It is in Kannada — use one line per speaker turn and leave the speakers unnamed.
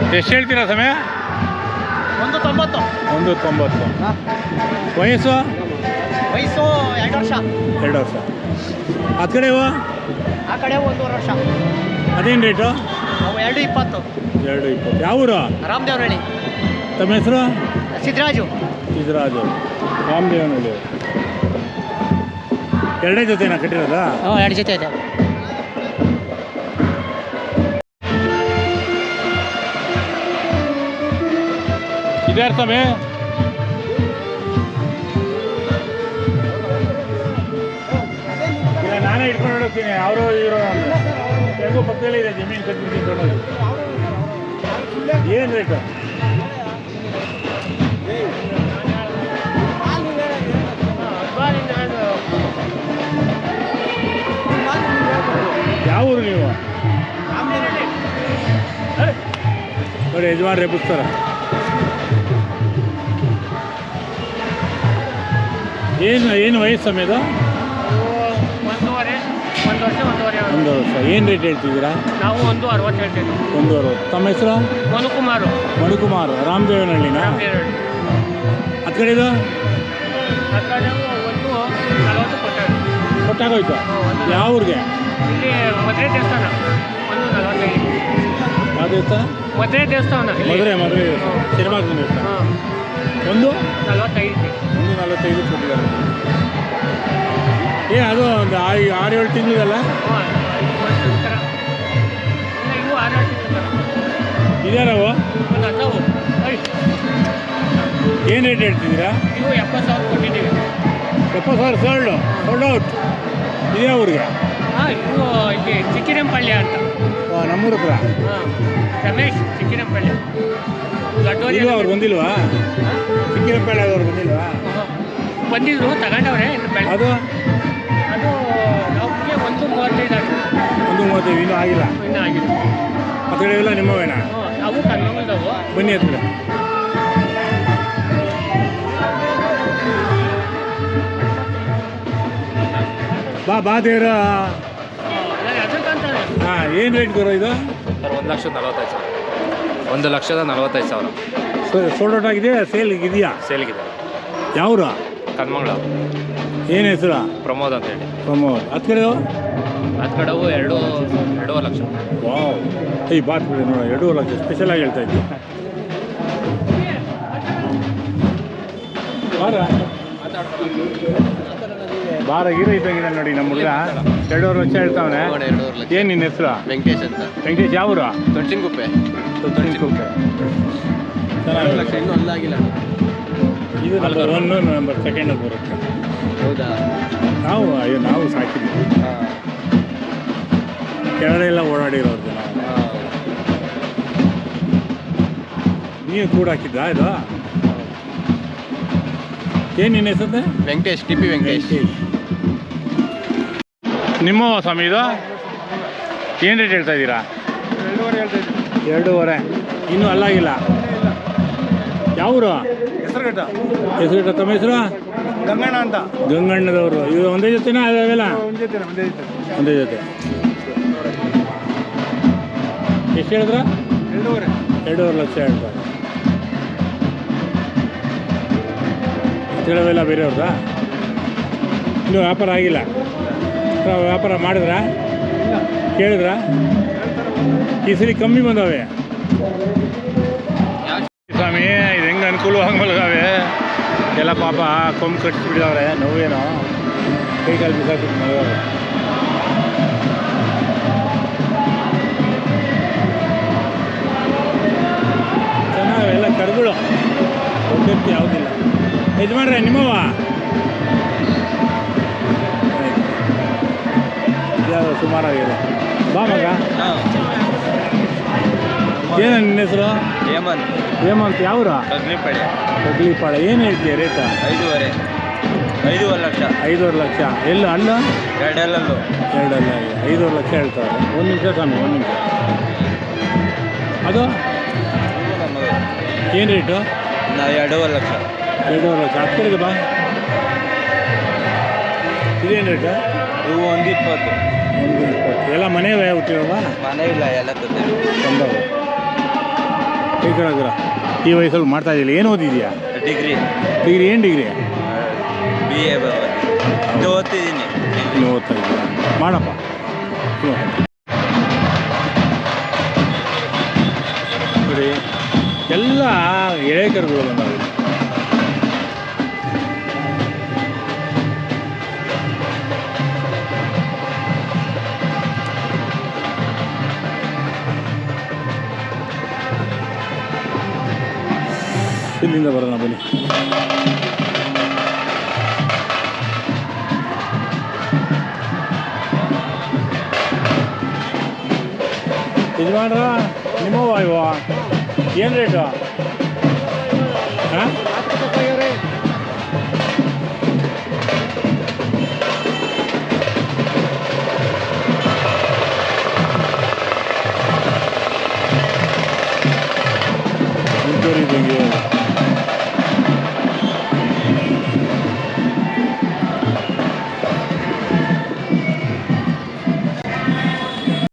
ಎಷ್ಟು ಹೇಳ್ತೀರಾ ಸಮಯ?
190.
190. ವಯಸ್ಸು?
ವಯಸ್ಸು 2 ವರ್ಷ.
2 ವರ್ಷ. ಆ ಕಡೆ ಇವು?
ಆ ಕಡೆ 1.5 ವರ್ಷ.
ಅದೇನು ರೇಟು?
ಅವು 2.20.
2.20. ಯಾವ ಊರು?
ರಾಮದೇವನಹಳ್ಳಿ.
ತಮ್ಮ ಹೆಸರು?
ಸಿದ್ದರಾಜು.
ಸಿದ್ದರಾಜು, ರಾಮದೇವನಹಳ್ಳಿ. 2 ಜೊತೆನಾ ಕಟ್ಟಿರೋದಾ?
2 ಜೊತೆ ಇದೆ.
ಇದ್ಯಾರು ಸಮಯ? ಇಲ್ಲ, ನಾನೇ ಇಟ್ಕೊಂಡು ಹೋಗ್ತೀನಿ. ಅವರು ಇವರು ಹೆಂಗೋ ಪಕ್ಕದಲ್ಲೇ ಇದೆ ಜಮೀನು ಕಟ್ಬಿಟ್ಟು. ಏನು ರೇಟು? ಯಾವ ಊರು ನೀವು? ನೋಡಿ ಯಜಮಾನ್ರೆ ಪುಸ್ತಕ. ಏನು ವಯಸ್ಸು ಸಮಯದ?
1 ವರ್ಷ.
ಏನು ರೇಟ್ ಹೇಳ್ತಿದ್ದೀರಾ?
ನಾವು 1.60 ಹೇಳ್ತೀವಿ.
1.60. ತಮ್ಮ ಹೆಸರು? ಮನುಕುಮಾರು. ರಾಮದೇವನಹಳ್ಳಿನ? ಅದು ಕಡೆದು? ಕೊಟ್ಟಾಗೋಯ್ತು. ಯಾವ ಊರಿಗೆ?
ಇಲ್ಲಿ ಮದುವೆ ದೇವಸ್ಥಾನ. 1.45.
ಯಾವ ದೇವಸ್ಥಾನ?
ಮದುವೆ ದೇವಸ್ಥಾನ.
ಮದುವೆ ಸಿನಿಮಾಗ್ನ ದೇವಸ್ಥಾನ.
1.45.
1.45 ಕೊಟ್ಟಿದ್ದಾರೆ. ಅದು ಒಂದು 6-7 ತಿಂಗಳಲ್ಲ?
ಇವು 6-7 ತಿಂಗಳು.
ಇದ್ಯಾರವು?
ಒಂದು 10.
ಏನು ರೇಟ್ ಹೇಳ್ತಿದ್ದೀರಾ?
ಇವು 70,000 ಕೊಟ್ಟಿದ್ದೀವಿ.
70,000 ಸೋಲ್ಡ್ ಔಟ್. ಇದೇ ಊರಿಗೆ?
ಇವು ಇಲ್ಲಿ ಚಿಕ್ಕಿರಂಪಳ್ಳಿ ಅಂತ.
ನಮ್ಮೂರ ಹತ್ರ?
ರಮೇಶ್ ಚಿಕ್ಕಿರಂಪಳ್ಳಿ.
ಇಲ್ವಾ ಅವ್ರು ಬಂದಿಲ್ವಾ? ಚಿಕ್ಕಿರಂಪಳ್ಳಿ ಅವ್ರು ಬಂದಿಲ್ವಾ?
ಬಂದಿದ್ರು, ತಗೊಂಡವ್ರೆ.
ಅದು
ನಮಗೆ 1.35 ಆಗಿದೆ.
1.35 ಇನ್ನೂ ಆಗಿಲ್ಲ?
ಇನ್ನೂ ಆಗಿಲ್ಲ.
ಆ ಕಡೆ ಎಲ್ಲ ನಿಮ್ಮವೇನಾ?
ಅವು ಕನ್ನಡದವು.
ಬನ್ನಿ ಹತ್ರ. ಬಾ ದೇವ್ರ. ಹಾಂ, ಏನು ರೇಟ್ ಬರೋ ಇದು?
ಸರ್ 1,45,000. 1,45,000.
ಸೋಲ್ಡ್ ಔಟ್ ಆಗಿದೆ? ಸೇಲ್ಗೆ ಇದೆಯಾ?
ಸೇಲ್ಗಿದೆ.
ಯಾವ್ರು?
ಕನ್ಮಂಗ್ಳ.
ಏನು ಹೆಸರು?
ಪ್ರಮೋದ್ ಅಂತ ಹೇಳಿ.
ಪ್ರಮೋದ್. ಅದು ಕಡೆಯೋ?
ಅದು ಕಡೆವು 2.5 ಲಕ್ಷ.
ವಾವ್. ಬಾತ್ ಬಿಡಿ ನೋಡ, 2.5 ಲಕ್ಷ ಸ್ಪೆಷಲಾಗಿ ಹೇಳ್ತಾ ಇದ್ದೆ. ಬಾರ ಗೀರ ಇದ್ದಂಗಿದೆ ನೋಡಿ ನಮ್ಮ ಹುಡುಗ. 2.5 ಲಕ್ಷ ಹೇಳ್ತಾವನೆ. ಏನು ನಿನ್ನ ಹೆಸರು?
ವೆಂಕಟೇಶ್ ಅಂತ.
ವೆಂಕಟೇಶ್. ಯಾವೂರು?
ತೊಣಚಿನಕುಪ್ಪೆ.
ಚೆನ್ನಾಗಿ.
ಇನ್ನೂ ಅಲ್ಲಾಗಿಲ್ಲ.
ಇದು ನಂಬರ್ 1, ನಂಬರ್ 2 ಬರುತ್ತೆ.
ಹೌದಾ?
ನಾವು ಸಾಕಿದ್ವಿ. ಕೆಳಗಡೆ ಎಲ್ಲ ಓಡಾಡಿರೋದು ನಾವು. ನೀವು ಕೂಡ ಹಾಕಿದ್ದ ಇದು? ಏನು ನಿನ್ನ ಹೆಸರು?
ವೆಂಕಟೇಶ್. T P Venkatesh.
ನಿಮ್ಮ ಸ್ವಾಮಿ ಇದು? ಏನು ರೇಟ್ ಹೇಳ್ತಾ ಇದ್ದೀರಾ?
2.5 ಹೇಳ್ತಾ ಇದ್ದೀವಿ.
2.5. ಇನ್ನೂ ಅಲ್ಲಾಗಿಲ್ಲ. ಯಾವೂರು?
ಹೆಸರುಘಟ್ಟ.
ತಮ್ಮ ಹೆಸರು?
ಗಂಗಣ್ಣ ಅಂತ.
ಗಂಗಣ್ಣದವರು. ಇದು ಒಂದೇ ಜೊತೆನಾ? ಅವೆಲ್ಲ ಒಂದೇ ಜೊತೆ. ಎಷ್ಟು ಹೇಳಿದ್ರ? 2.5 ಲಕ್ಷ ಹೇಳ್ತಾರೆ. ತಿಳವೆಲ್ಲ ಬೇರೆಯವ್ರದಾ? ಇನ್ನೂ ವ್ಯಾಪಾರ ಆಗಿಲ್ಲ? ವ್ಯಾಪಾರ ಮಾಡಿದ್ರಾ? ಕೇಳಿದ್ರಾ? ಈ ಸರಿ ಕಮ್ಮಿ ಬಂದವೆ ಸ್ವಾಮಿ. ಇದು ಹೆಂಗೆ ಅನುಕೂಲವಾಗಿ ಮಲಗಾವೆ ಎಲ್ಲ. ಪಾಪ ಕೊಂಬು ಕಟ್ಟಿಸ್ಬಿಟ್ಟಿದವ್ರೆ. ನೋವೇನೋ ಕೈ ಕಾಲು ಬಿಸಾಕ್ಬಿಟ್ಟು ಮಲಗಾವೆ. ಚೆನ್ನಾಗೆಲ್ಲ ಕರುಗಳು. ಒಬ್ಬಕ್ಕೆ ಯಾವುದಿಲ್ಲ. ಯಜಮಾನ್ರೆ ನಿಮ್ಮವ? ಯಾವುದು ಸುಮಾರಾಗಿದೆ. ಬಾ ಮಗ. ಏನು ನಿನ್ನ ಹೆಸರು? ಹೇಮಂತ್. ಯಾವ್ರ? ಕಗ್ಲಿಪಾಳ್ಯ. ಏನು ಹೇಳ್ತೀಯ ರೇಟ?
5.5 ಲಕ್ಷ.
5.5 ಲಕ್ಷ. ಎಲ್ಲ ಅಲ್ಲ?
2 ಅಲ್ಲೂ.
2 ಅಲ್ಲ. 5.5 ಲಕ್ಷ ಹೇಳ್ತಾರೆ. 1 ನಿಮಿಷ ಸ್ವಾಮಿ, 1 ನಿಮಿಷ. ಅದು ಏನು ರೇಟು?
2.5 ಲಕ್ಷ.
2.5 ಲಕ್ಷ. ಹತ್ತಿರಗೆ ಬಾ. ಇದೇನು ರೇಟು?
ಇವು 1.20.
1.20. ಎಲ್ಲ ಮನೆ ಹುಟ್ಟಿರೋವಾ?
ಮನೆ ಇಲ್ಲ, ಎಲ್ಲ ತಂದವು.
ಕೈಕಳಗ್ರ ಈ ವಯಸ್ಸಲ್ಲಿ ಮಾಡ್ತಾ ಇದ್ದಿಲ್ಲ. ಏನು ಓದಿದ್ಯಾ?
ಡಿಗ್ರಿ
ಡಿಗ್ರಿ ಏನು ಡಿಗ್ರಿ?
ಬಿ ಎ ಇದು ಓದ್ತಿದ್ದೀನಿ.
ನೀವು ಓದ್ತಾ ಇದ್ದೀರಾ? ಮಾಡಪ್ಪ. ನೋಡಿ ಎಲ್ಲ ಎಳೆಕರುಗಳು ಬಂದಾವೆ. ಇಲ್ಲಿಂದ ಬರೋಣ ಬನ್ನಿ. ಯಜಮಾನ್ರ ನಿಮ್ಮವ ಇವ ಏನು ರೇಟು? ಹಾಂ